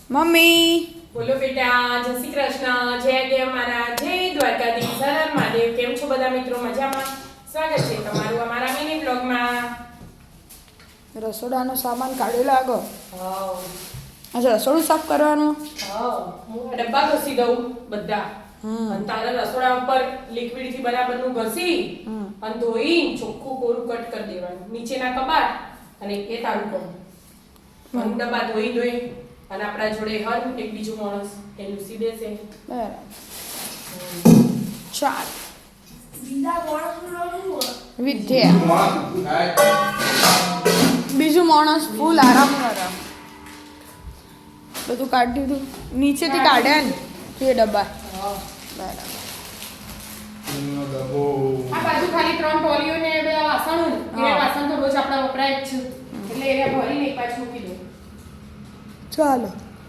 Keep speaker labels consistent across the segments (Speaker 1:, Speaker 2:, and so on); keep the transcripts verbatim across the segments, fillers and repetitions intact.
Speaker 1: Mummy
Speaker 2: બોલો બેટા, જય શ્રી કૃષ્ણ, જય દેવ મહારાજ, જય દ્વારકાધીશ, હર હર મહાદેવ. કેમ છો બધા મિત્રો? મજામાં? સ્વાગત છે તમારું અમારા મિની બ્લોગમાં.
Speaker 1: રસોડાનો સામાન કાઢી લાગો.
Speaker 2: હા
Speaker 1: અચ્છા, રસોડું સાફ કરવાનું.
Speaker 2: હા, હું આ ડબ્બા ઘસી દઉં બધા. અને તારા રસોડા ઉપર લિક્વિડ થી બરાબરનું ઘસી અને ધોઈ ચોખ્ખું કોરું કટ કરી દેવાનું. નીચેના કબાટ અને એ તારું કોણ અને ડબ્બા ધોઈ ધોઈ અને આપણા જોડે હર એક બીજું માણસ એ લૂસી દેશે.
Speaker 1: બરાબર. ચાલ વિદ્યા બીજું માણસ ફૂલ આરામ કરે. બધું કાઢી દીધું નીચેથી કાઢ્યા ને તે ડબ્બા. બરાબર.
Speaker 2: આ બાજુ ખાલી ત્રણ ટોલીઓ ને બધા વાસણો ને એ વાસણ તો રોજ આપણા વપરાય જ છે એટલે એને ભરીને એક પાછું મૂકી દઉં.
Speaker 1: ચાલો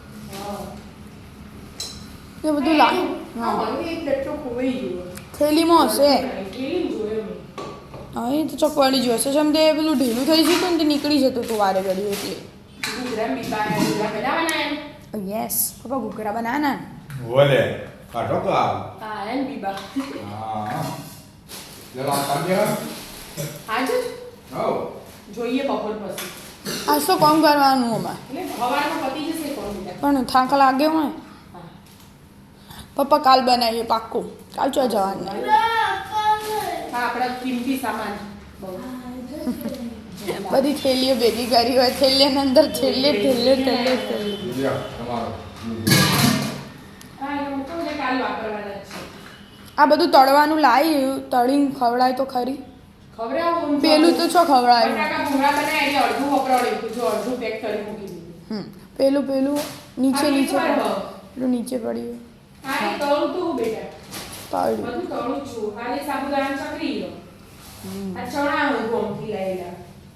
Speaker 1: એ બધું લાવ.
Speaker 2: હા, મને એક લટ્ટો ખોવાઈ ગયો.
Speaker 1: થેલીમાં હશે.
Speaker 2: થેલીમાં જોયો મેં.
Speaker 1: હા, એ તો ચોકવાડી જ હશે. જેમ તે પેલું ઢીલું થઈ જતું ને તે નીકળી જતું હતું વારે ઘડી એટલે.
Speaker 2: ઘૂઘરા બીબા ઘૂઘરા બનાવવાના એમ.
Speaker 1: યસ પપ્પા ઘૂઘરા બનાવવાના ને.
Speaker 3: બોલે કાઢો તો આવ
Speaker 2: હા એમ બીબા.
Speaker 3: હા જરા કાઢ્યા
Speaker 2: આજ
Speaker 3: આવ
Speaker 2: જોઈએ બપોર પછી.
Speaker 1: આજ તો કામ કરવાનું અમારે.
Speaker 2: એટલે સવારમાં પતી જશે કોણ બીજા.
Speaker 1: પણ થાક લાગ્યો હોય
Speaker 2: હા.
Speaker 1: પપ્પા કાલ બનાવીએ પાક્કું. કાલ ચો જવાનું.
Speaker 2: હા, આપણા કિંમતી સામાન બહુ.
Speaker 1: બધી થેલીઓ ભેગી કરી હોય થેલીની અંદર થેલે થેલે થેલે થેલે.
Speaker 3: લ્યો તમારો
Speaker 2: હા, એવું તો ને કાલ વાપરવાના જ છે.
Speaker 1: આ બધું તળવાનું લાવી તળીને ખવડાય તો ખરી.
Speaker 2: ખવડાવું
Speaker 1: પેલું તો છો ખવડાય.
Speaker 2: બટાકા ભૂંગળા બનાવ્યા એટલે અડધું વપરાડ્યું જો અડધું પેક કરી મૂકી દીધું.
Speaker 1: હમ પેલું પેલું નીચે
Speaker 2: આ
Speaker 1: નીચે
Speaker 2: નીચે
Speaker 1: પડ્યું.
Speaker 2: પડ્યું.
Speaker 1: પેલું નીચે પડ્યું
Speaker 2: હા, એ તળું તું બેટા.
Speaker 1: તળ્યું.
Speaker 2: બધું તળું જ છું. ખાલી સાબુદાણા ચકરી લો. આ ચણા હું ગોમથી લાયેલા.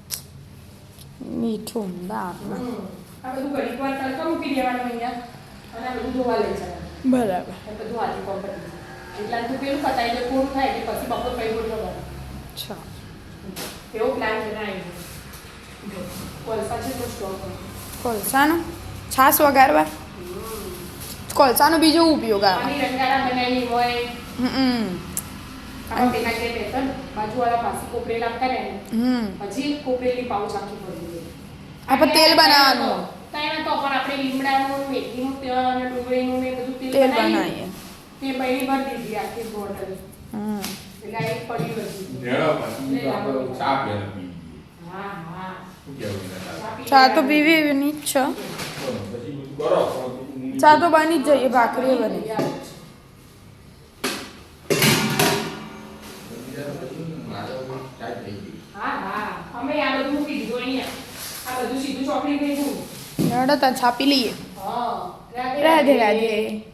Speaker 1: મીઠું દાળ.
Speaker 2: હમ. આ બધું ઘડીક વાર તડકા મૂકી દેવાનું અહીંયા અને આ બધું ધોવા લઈ જવાનું.
Speaker 1: બરાબર.
Speaker 2: એ બધું હાથી કોમ કરી દીધું. એટલા તું પેલું પતાઈ દે પૂરું થાય એટલે પછી બપોર કઈ ગોઠવવાનું.
Speaker 1: અચ્છા
Speaker 2: એવો પ્લાન બનાવી દો. કોલસા છે તો સ્ટોક
Speaker 1: કોલસાનો છાશ વગાડવા. કોલસાનો બીજો ઉપયોગ આવે.
Speaker 2: આની રંગાડા બનાવી હોય
Speaker 1: હમ
Speaker 2: આ તેના કે બેતન બાજુવાળા પાસે કોપરેલ આપતા ને
Speaker 1: હમ
Speaker 2: પછી કોપરેલની પાઉચ આખી ભરી દે.
Speaker 1: આપણે તેલ બનાવવાનું.
Speaker 2: તાઈના તો પણ આપણે લીમડાનું મેથીનું તેલ અને ડુંગળીનું ને બધું તેલ
Speaker 1: તેલ
Speaker 2: બનાવીએ.
Speaker 1: બનાવીએ.
Speaker 2: તે બૈરી ભરી દીધી આખી બોટલ.
Speaker 1: હમ
Speaker 2: એટલે આ એક પડી હતી.
Speaker 3: જેડો પછી તો આપણે ચા પીએ પી
Speaker 2: હા હા
Speaker 3: શું કેવું છે
Speaker 1: ચા તો પીવી એવી જ છે.
Speaker 3: પછી બધું કરો
Speaker 1: ચા તો બની જ જઈએ ભાખરી બની.
Speaker 3: ચા થઈ ગઈ
Speaker 2: હા હા અમે આ બધું મૂકી દીધું અહીંયા. આ બધું સીધું ચોકડી ગઈ છું.
Speaker 1: હેડો તા છાપી લઈએ.
Speaker 2: હા
Speaker 1: રાધે રાધે.